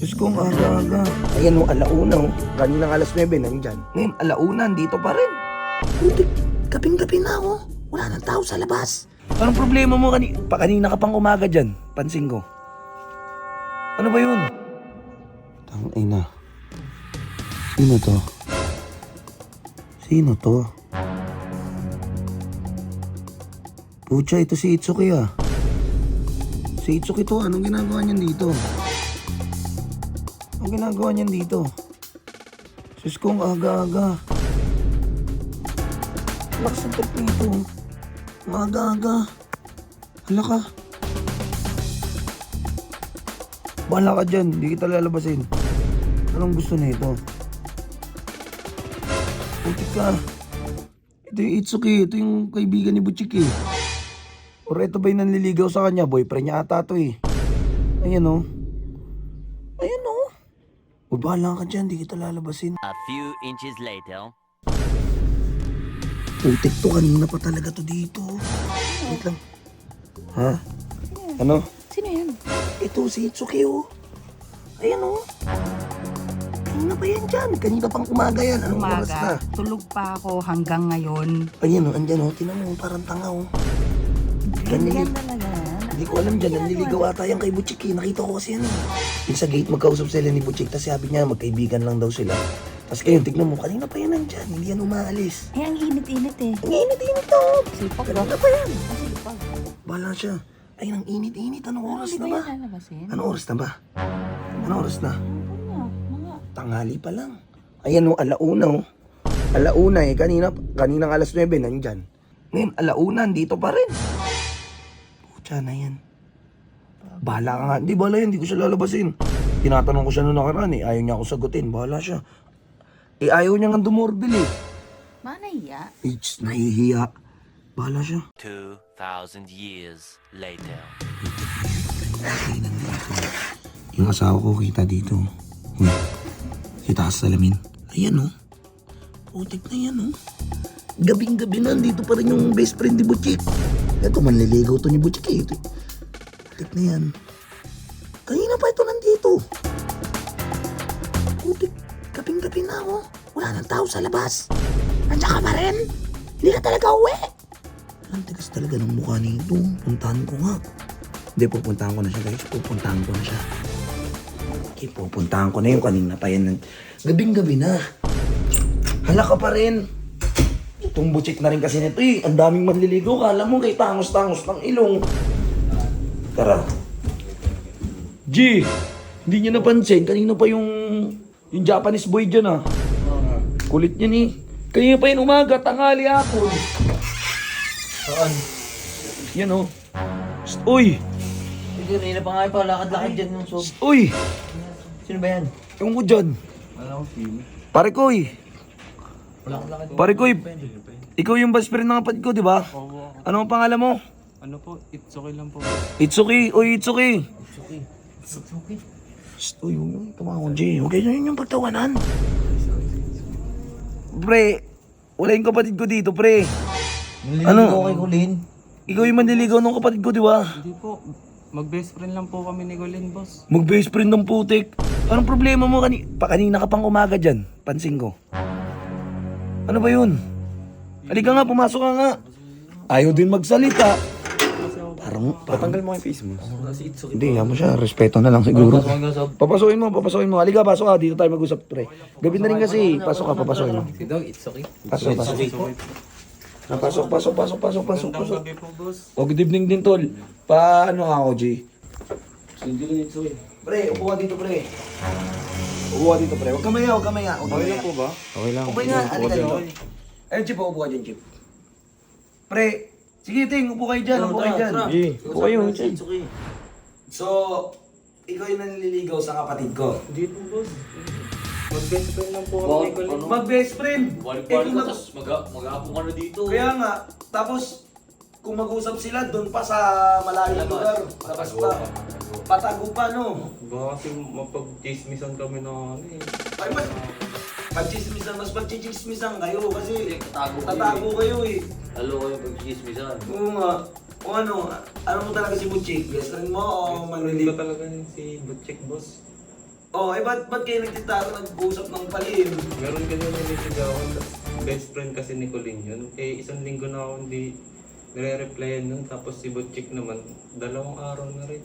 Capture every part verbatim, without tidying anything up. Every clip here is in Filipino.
Diyos kong aga-aga. Ayan o, alauna o. Kaninang alas nuwebe, nandyan. Ngayon, alauna, dito pa rin. Putik, gabing-gabi na ako. Wala nang tao sa labas. Anong problema mo kanina? Pa kanina ka pang umaga dyan, pansin ko. Ano ba yun? Tangina. Sino to? Sino to? Pucha, ito si Itsuki ah. Si Itsuki to, anong ginagawa niyan dito? Anong ginagawa niyan dito? Sus kong aga-aga. Lakas ang trip nito. Ang aga-aga. Hala ka. Bahala ka dyan, hindi kita lalabasin. Anong gusto na ito? Putik ka. Ito yung Itsuki, ito yung kaibigan ni Butchik eh. Or ito ba yung nanliligaw sa kanya? Boyfriend niya ata to eh. Ayan o. Ayan o. Uy, bahala ka dyan, di kita lalabasin. A few inches later. Putik to, kanina pa talaga to dito. Wait lang. Ha? Ano? Sino yan? Ito si Itsuki o. Ayan o. Kanina pa yan dyan. Kanina pang umaga yan. Anong oras na? Umaga, tulog pa ako hanggang ngayon. Ayan o, andyan o. Tinan mo, parang tanga o. Ganyan talaga. Hindi ko alam dyan, nanliligaw ata yan kay Butchik eh. Nakita ko kasi yan eh. Yung sa gate magkausap sila ni Butchik, tapos sabi niya magkaibigan lang daw sila. Tapos kayo, tignan mo, kanina pa yan nandyan, hindi yan umaalis. Eh, ang init-init eh. Ang init-init to. Sipag ba? Kanina pa yan. Ang sipag. Bahala siya. Ay, ang init-init. Anong oras Hindi na ba ba? yan lalabasin? Anong oras na ba? Anong oras na? Ano? Mga... Tanghali pa lang. Ayan o, alauna o. Alauna eh, kanina, kaninang alas nuwebe, nandyan. Ngayon, alauna, dito pa rin. Pucha na yan. Bahala ka nga. Hindi, bahala yan. Hindi ko siya lalabasin. Tinatanong ko siya noong nakaraan eh. Ayaw niya ako sagutin. Bahala siya. Eh, ayaw niya nga dumorbil eh. Manaya. It's nahihiya. Bahala siya. Two thousand years later. Yung asawa ko kita dito. Hmm. Kita sa salamin. Ayan o. Oh. Putik na yan o. Oh. Gabing-gabi na, dito pa rin yung best friend ni Butchik. Ito, manliligaw to ni Butchik eh. Ito. Putik na yan. Kanina pa ito nandito. Putik, gabing-gabi na ako. Wala nang tao sa labas. Nandiyan ka pa rin. Hindi ka talaga uwi. Ang tigas talaga ng mukha nito. Puntahan ko nga. Hindi, pupuntahan ko na siya guys. Pupuntahan ko na siya. Okay, pupuntahan ko na yung kanina pa yan. Gabing-gabi na. Hala ka pa rin. Itong Butchik na rin kasi nito eh. Ang daming manliligaw. Kala mo kay tangos-tangos ng ilong. Tara. G! Hindi niya napansin. Kanina pa yung yung Japanese boy dyan ah. Kulit niya ni. Kanina pa yung umaga. Tanghali ako. Saan? Yan oh. Psst, uy! Hindi, rin na pa nga pa. Lakad-lakad dyan yung sob. Psst, uy! Sino ba yan? Yung ko dyan. Wala akong sino. Pare koy. Wala akong lakad. Pare koy. Ikaw yung best friend ng kapatid ko, di ba? Oo. Ano ang pangalan mo? Ano po, it's okay lang po. Itsuki. Uy, Itsuki. Suki. Suki. Psst, uy, huwag yung tumakon, G. Huwag kayo yun yung pagtawanan. Pre, wala yung kapatid ko dito, pre. Naliligo Ano? ko kay Colin. Ikaw yung manliligaw ng kapatid ko, di ba? Hindi po, mag-best friend lang po kami ni Colin, boss. Mag-best friend ng putik. Anong problema mo kani pa kanina ka pang umaga dyan? Pansin ko. Ano ba yun? Halika nga, pumasok ka nga. Ayaw din magsalita. Parang, Patanggal mo yung face mo. hindi, yan mo siya. Respeto na lang siguro. Pasok nga sob. Papasukin mo, papasukin mo. Halika, pasok ka. Dito tayo mag-usap, pre. Gabi na rin kasi. Pasok ka, papasukin mo. Si Dog, it's okay. Pasok, pasok. Ah, pasok, pasok, pasok, pasok, pasok, Magandang pasok. gabi po, boss. O, good evening din, tol. Pa, ano nga ako, G? Hindi lang ito eh. Pre, upo ka dito, pre. Upo ka dito, pre. Huwag ka maya, huwag ka maya. Huwag ka Okay maya. lang po ba? Okay lang. Okay nga, halika dito. Ayun, Chip, upo ka dyan, Chip. Pre, sige, Ting, upo kayo dyan, upo kayo dyan. Upo kayo. It's okay. So, ikaw yung nanliligaw sa kapatid ko. Hindi po, boss. Mag-best friend lang po kami Wow, ni Colin. ano? Mag-best friend. Eh, Balik-balik kung ka, mag- tapos mag-aapo ka na dito. Kaya nga, tapos kung mag-usap sila doon pa sa malayong lugar, labas pa. Patago pa, no? Baka kasi mapag-chismisan kami na ano eh. Ay, mas pagchismisan, mas pagchichismisan kayo kasi Tatago kayo tatago kayo eh. Lalo kayo pag-chismisan. Oo nga. O ano, ano mo talaga si Butchik? Best friend mo o Friend ko manlilig? talaga yun si Butchik, boss. Oh, eh ba't, ba't kayo nagtitaro nag-usap ng palim? Meron kasi nilisigawan. Best friend kasi ni Colin yun. Eh, isang linggo na ako hindi nire-replyan nun. Tapos si Butchik naman, dalawang araw na rin.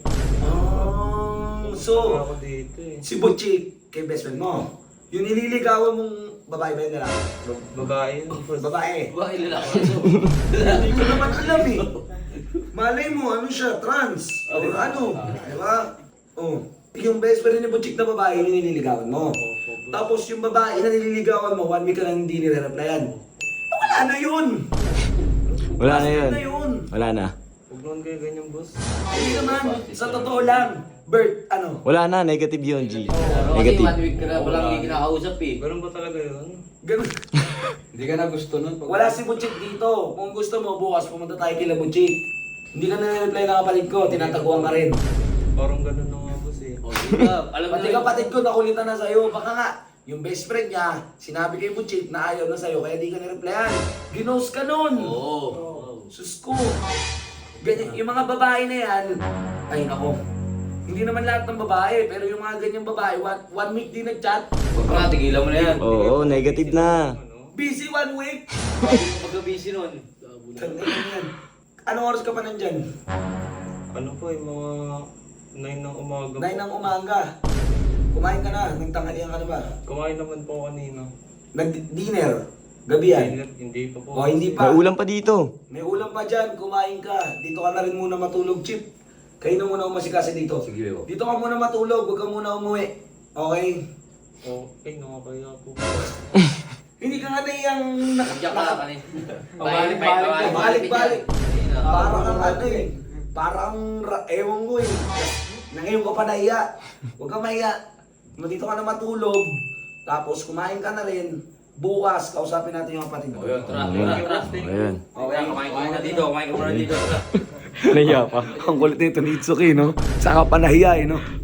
Ah, so, ako dito eh. si Butchik, kay best friend mo, yung nililigawan mong babae ba yun nila? Ba- babae yun. boss. Babae. Ba, ilalaki na Hindi ko naman alam eh. Malay mo, ano siya, trans. O ano, di ba? Oh. Yung best friend ni Butchik na babae, yung nililigawan mo. Tapos yung babae na nililigawan mo, one week ka lang hindi nire-replyan. Wala na yun! Wala na yun. Wala na yun! Wala na. Huwag naman kayo ganyan, boss. Hindi naman, sa totoo lang. Bert, ano? Wala na, negative yun, G. Kasi Negative. one week ka na walang hindi kinakausap eh. Ganun ba talaga yun? Ganun. Hindi ka na gusto nun. Pag... Wala si Butchik dito. Kung gusto mo, bukas pumunta tayo kila Butchik. Hindi ka nire-reply ng kapatid ko, tinataguan ka rin. Parang ganun na nga, boss eh. O, di ba? Alam mo Pati kapatid ko, nakulitan na sa'yo. Baka nga, yung best friend niya, sinabi kay Butchik na ayaw na sa'yo, kaya di ka nireplyan. Ginost ka nun! Oo. Sus ko! Ganyan, yung mga babae na yan, ay nako. Hindi naman lahat ng babae, pero yung mga ganyang babae, one, one week din nag-chat. Huwag ka, tigilan mo na yan. Oo, negative na. Busy one week! Pagka-busy nun. Tangin na yan. Anong oras ka pa nandyan? Ano po eh, mga nine ng umaga po. nine ng umaga. Kumain ka na, nagtanghalian ka na ba? Kumain naman po kanina. Nag-dinner. Gabi yan. Dinner, hindi pa po. O hindi pa. May ulam pa dito. May ulam pa dyan, kumain ka. Dito ka na rin muna matulog, Chip. Kayo na muna umasikasi dito. Sige, Bebo. Dito ka muna matulog, huwag ka muna umuwi. Okay? Okay, nakakaya po. Hindi ka nga na yung Nandiyan ka lang kanina. Balik-balik, balik-balik. Parang ang ano eh. Parang, ra- ewan ko eh. Nangayon ka pa nahiya. Huwag ka mahiya. Dito ka na matulog. Tapos kumain ka na rin. Bukas, kausapin natin yung kapatid mo. O yun, tara, tara, tara. Ayan. Okay, kumain ka muna dito, kumain ka muna dito. Nahiya pa. Ang kulit nito ni Itsuki, no? Saka pa nahiya, eh, no?